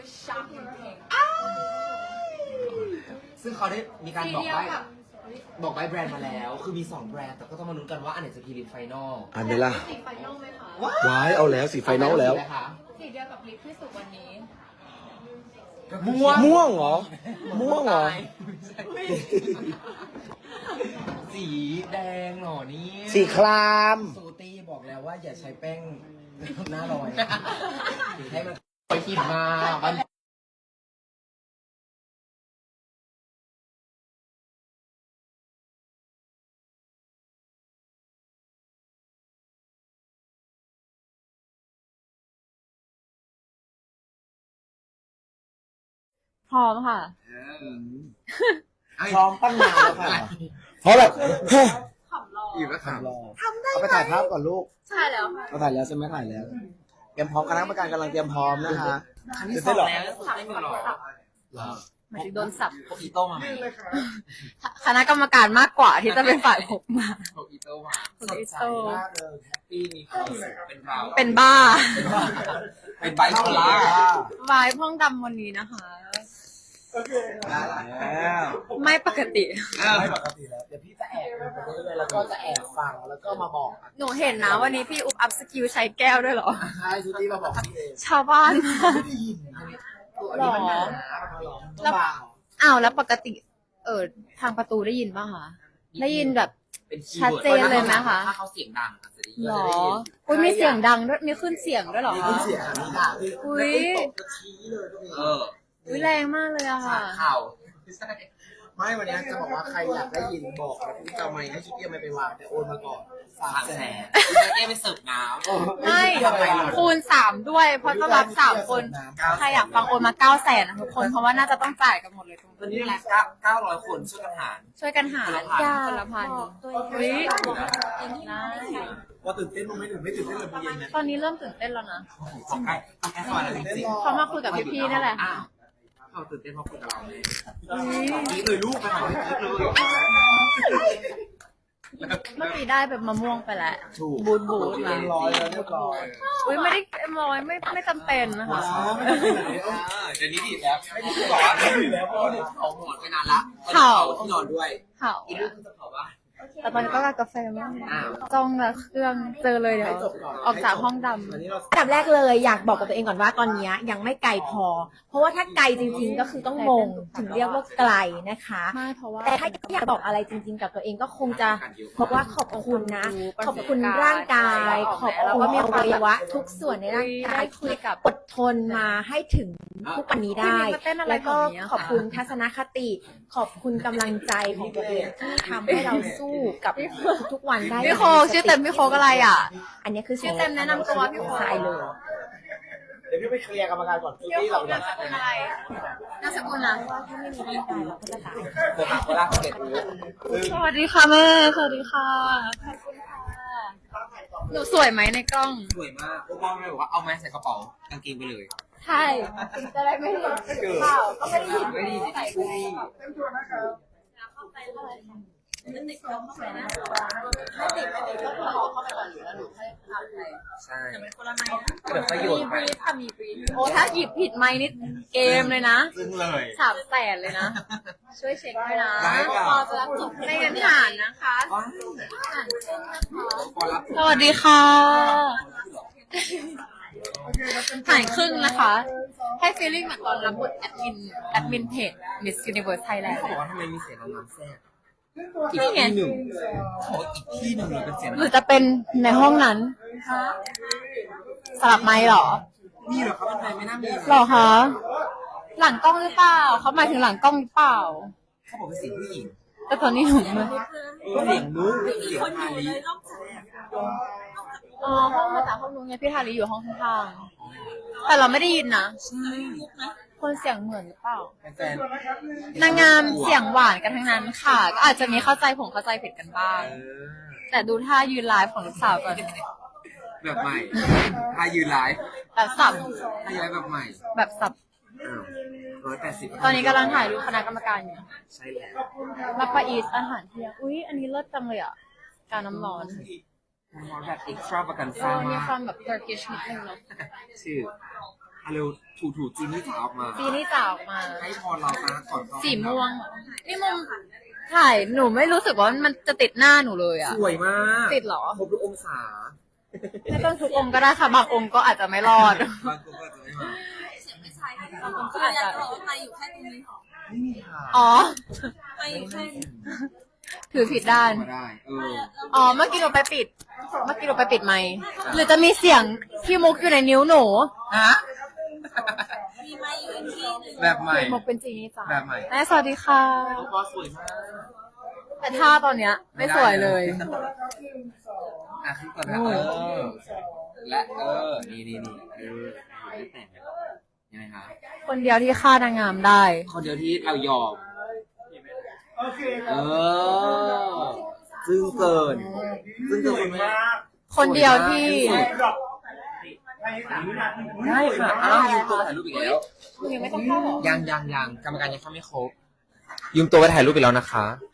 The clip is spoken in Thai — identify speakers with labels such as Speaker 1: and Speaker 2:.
Speaker 1: ซึ่งเขาได้มีการบอกใบแบรนด์มาแล้วคือมี2แบรนด์แต่ก็ต้องมาลุ้นกันว่าอันไหนจะพีริมไฟนอล
Speaker 2: อันนี้ล่ะ
Speaker 3: สีไฟนอลไหมคะ
Speaker 2: ว้ายเอาแล้วสีไฟนอลแล้ว
Speaker 3: สีเดียวกับลิปที่สุดวันนี้
Speaker 2: ม่วงเหรอม่วงเหรอ
Speaker 1: สีแดงเหรอนี่
Speaker 2: สีคราม
Speaker 1: สูตี้บอกแล้วว่าอย่าใช้แป้งหน้าลอยให้มันไปขีดมามัน
Speaker 3: พร้อมค่ะ
Speaker 2: พร้อมตั้งนานแล้วค่ะเพราะแบบ
Speaker 1: อยู่ก็ถาม
Speaker 2: เอาไปถ่ายภาพก่อนลูก
Speaker 3: ใช่แล้วค่ะ
Speaker 2: เราถ่ายแล้วใช่ไหมถ่ายแล้ว เตรียมพร้อมคณะกรรมการกำลังเตรียมพร้อมนะคะ
Speaker 1: ครั้งที่2แล้วไม่มีหรอ
Speaker 3: หมายถึงโดนสับ
Speaker 1: พวกอีโต้มาไหม
Speaker 3: คณะกรรมการมากกว่าที่จะเป็นฝ่ายผมมา
Speaker 1: พวกอีโต้มา
Speaker 3: พวกอีโต้
Speaker 1: มากเลยแฮปปี้มีความสุขเป็นเรา
Speaker 3: เป็นบ้า
Speaker 1: เป็นไบโพล่าว
Speaker 3: ายพ่องดำวันนี้นะคะ
Speaker 2: แล้ว
Speaker 3: ไม่ปกติ
Speaker 2: ไม่ปกติแล้ว เดี๋ยวพี่จะแอบดูไปเรื่อยๆแล้วก็จะแอบฟังแล้วก็มาบอก
Speaker 3: หนูเห็นนะวันนี้พี่อุ๊บอัพสกิลใช้แก้วด้วยเหรอ
Speaker 2: ใช่ชุตี้มาบอกพี่เอง
Speaker 3: ชาวบ้านมาก
Speaker 2: ไม่ได้ยินอันนี้มันหนาต้องเบา
Speaker 3: อ้าวแล้วปกติ ทางประตูได้ยินป่ะคะได้ยินแบบ
Speaker 1: เป็นคีย์
Speaker 3: ชัด
Speaker 1: วิร์ด
Speaker 3: เจนเลยไหมคะ
Speaker 1: ถ้าเขาเสียงดังอาจจะได้ยิน
Speaker 3: หรออุ้ยมีเสียงดังด้วยมีขึ้นเสียงด้วยเหรอ
Speaker 2: มี
Speaker 3: คะ
Speaker 2: ขึ้นเสียงอันนี้ด่าคือ
Speaker 3: อุ๊ย
Speaker 2: แล้วตบก็ชี้เลยก็มี
Speaker 3: อุ้ยแรงมากเลยอะ
Speaker 1: สา
Speaker 3: ค่ะ
Speaker 1: ดข่าว
Speaker 2: ไม่วันนี้จะบอกว่าใครอยากได้ยินบอกแล้วพี่จะเอาไมค์ให้ชุตี้เอาไมค์ไปวางแต่โอนมาก่อน
Speaker 1: 300,000พี่จะแก้ไปเสิร์ฟน้ำ
Speaker 3: ไม่คูณ3ด้วย เพราะต้องรับ3 คน ใครอยากฟังโอนมา900,000นะทุกคนเพราะว่าน่าจะต้องจ่ายกันหมดเลยตรง
Speaker 1: ตอน
Speaker 3: นี้
Speaker 1: นี้
Speaker 3: แหละ
Speaker 1: 900 คนช่วยกันหาร
Speaker 3: ช่วยกันหารคนละพันอุ้ยได้
Speaker 2: ว่าตื่นเต้นมั้ยไม่ตื่นเต้นเลยเย็นนะ
Speaker 3: ตอนนี้เริ่มตื่นเต้นแล้วนะ
Speaker 1: ของใกล้สวรรค์แล้วจริง
Speaker 3: เขามาคุยกับพี่ๆนี่แหละ
Speaker 1: อ้าวเขาตื่นเต้นเพราะคุยกับเราเลย
Speaker 3: อุ๊ย
Speaker 1: นี่เลยลูกไปหาพี่เลย
Speaker 3: เมื่อกี้ได้แบบมะม่วงไปแล้ว
Speaker 2: ถูก
Speaker 3: บูดมา
Speaker 2: เรียบร้อยแล้วเรียบร้อย
Speaker 3: อุ้ยไม่ได้เอ็มร้อยไม่จำเป็นนะคะ
Speaker 1: เดี๋ยวนี้ดีแล้วไม่ดีกว่าดีแล้วเพราะเขาหมดไปนานละที่นอนด้วย
Speaker 3: เผา
Speaker 1: อีกเรื่องคือจะเผาว่า
Speaker 3: แต่ตอนนี้ก็กาแฟมากจ้องละเครื่องเจอเลยเดี๋ยวออกจากห้องดำ
Speaker 2: วันนี้เรา
Speaker 4: อันดับแรกเลยอยากบอกกับตัวเองก่อนว่าตอนนี้ยังไม่ไกลพอ เพราะว่าถ้าไกลจริงๆก็คือต้องมงถึงเรียกว่าไกลนะคะ
Speaker 3: ไม่เพราะว่า
Speaker 4: แต่ถ้าอยากบอกอะไรจริง ๆ กับตัวเองก็คงจะบอกว่าขอบคุณนะ ขอบคุณร่างกาย ขอบคุณอวัยวะ ทุกส่วนในร่างกายคุยกับอดทนมาให้ถึงทุกวันนี้ได้ แล้วก็ขอบคุณทัศนคติ ขอบคุณกำลังใจของตัวเองที่ทำให้เราสู้กับทุกๆวันได้
Speaker 3: พี่โคชื่อเต็มพี่โคก็อะไรอ่ะ
Speaker 4: อันนี้คือ
Speaker 3: ชื่อเต็มแนะนำตัวพี่โค
Speaker 4: ทรายเลย
Speaker 2: เดี๋ยวพี่ไปเคลียร์กรรมการก่อนชุ
Speaker 3: พี่
Speaker 2: ตี้
Speaker 3: โค
Speaker 2: เรา
Speaker 3: นามสกุลอะไรนามสกุลนะ
Speaker 4: ถ้าไม่มีร่างกายเราก็จะตาย
Speaker 1: เดี๋ยวมาเวลาเขาเด็ดรู้
Speaker 3: สวัสดีค่ะแม่สวัสดีค่ะขอบคุณค่ะหนูสวยไหมในกล้อง
Speaker 1: สวยมากพวกพ่อแม่บอกว่าเอาไม้ใส่กระเป๋ากางเกงไปเลย
Speaker 3: ใช่จะได้ไม่เห็นเปล่าก็ไม่ได้ยิน
Speaker 1: ไม่ดีใส่ไม่ดีใช่เดี๋ยวประโยชน์
Speaker 3: บ
Speaker 1: ไป
Speaker 3: รีฟค่ะมีบรีฟโอ้ถ้าหยิบผิดไม้นี่เกมเลยนะ
Speaker 1: ซึ่งเลย
Speaker 3: 300,000เลยนะ ช่วยเช็คด้วยนะ
Speaker 1: ได้ค่ะ
Speaker 3: พอจะรับจบในเงินฐานนะคะฐานขึ้นนะคะ
Speaker 1: พอรับ
Speaker 3: สวัสดีค่ะฐานครึ่งนะคะ ให้ฟีลลิ่งเหมือนตอนรับบทแอดมินเพจ Miss Universe
Speaker 1: เขา
Speaker 3: Thailand
Speaker 1: บอกว่าทำไมมีเสียงน้ำแทรกอีก
Speaker 3: นี่ไง
Speaker 1: ที่หนึ่งขออีกที่หนึ่งเลยเป็นเสียง
Speaker 3: หรือจะเป็นในห้องนั้นสลับไม้หรอ
Speaker 1: นี่เหรอเขาเป็นใครไม่น่ามี
Speaker 3: หรอคะ หลังกล้องหรือเปล่า เขาหมายถึงหลังกล้องหรือเปล่า
Speaker 1: เขาบอกเป็นเสียงผู้หญิง
Speaker 3: แต่ตอนนี้หนูไม่
Speaker 1: เสียงนุ๊กเสียงพาลี
Speaker 3: อ๋อห้องมาจากห้องนู้นไงพี่ทารีอยู่ห้องข้างๆแต่เราไม่ได้ยินนะคนเสียงเหมือนหรือเปล่า
Speaker 1: เป็นแฟน
Speaker 3: นางงามเสียงหวานกันทั้งนั้นค่ะ ก็อาจจะมีเข้าใจผิดกันบ้าง แต่ดูท่ายืนไลฟ์ของลูกสาวก่อน
Speaker 1: แบบใหม่ถ้ายืนไลฟ์
Speaker 3: แบบสับ
Speaker 1: ถ้าย้ายแบบใหม่
Speaker 3: แบบสับ
Speaker 1: 180
Speaker 3: ตอนนี้กำลังถ่ายรูปคณะกรรมการอยู่
Speaker 1: ใช่แล้ว
Speaker 3: รับประอีสอาหารเที่ยงอุ๊ย อันนี้เลิศจังเลยอ่ะ การน้ำร้อน
Speaker 1: แบบ extra ประกัน
Speaker 3: เอ
Speaker 1: ซ่า
Speaker 3: อมี
Speaker 1: มาก
Speaker 3: ความแบบ Turkish นิดนึงเนาะ
Speaker 1: ชื่อเร็วถูจีนี่จ๋าออกมา
Speaker 3: จีนี่จ๋าออกมา
Speaker 1: ให้พรเรานะก่อนเข้า
Speaker 3: สีม่วง นี่มุมถ่ายหนูไม่รู้สึกว่ามันจะติดหน้าหนูเลยอะ
Speaker 1: สวยมาก
Speaker 3: ติดเหรอ
Speaker 1: ครบทุกองศา
Speaker 3: ไม่ต้องทุกองค์ก็ได้ค่ะบางองค์ก็อาจจะไม่รอด
Speaker 1: บางคนก็จะไม่มา
Speaker 3: ก็อาจจะ
Speaker 1: ไม่มีทาง
Speaker 3: อ๋อถือผิดด้าน
Speaker 1: มาได้
Speaker 3: อ๋อ เมื่อกี้เราไปปิดไมค์หรือจะมีเสียงพี่มุกอยู่ในนิ้วหนู
Speaker 1: ฮะแบบใหม่
Speaker 3: มุกเป็นจีนี่จ๋า
Speaker 1: แบบใหม่
Speaker 3: แม่สวัสดีค่ะ
Speaker 1: น้องบอสสวยมาก
Speaker 3: แต่ท่าตอนเนี้ย ไม่สวยเลย
Speaker 1: อ่ะขึ้นก่อนนะและนี่ไม่แต่งยังไงคะ
Speaker 3: คนเดียวที่ฆ่านางงามได้
Speaker 1: คนเดียวที่เรายอมซึ่งเกินคุณแม่
Speaker 3: คนเดียวที่
Speaker 1: ได้ค่ะอ้าวยืมตัวไปถ่ายรูปอีกแล้ว
Speaker 3: ยังไม่ต้องเข้าหรอ
Speaker 1: ยังกรรมการยังเข้าไม่ครบยืมตัวไปถ่ายรูปอีกแล้วนะคะ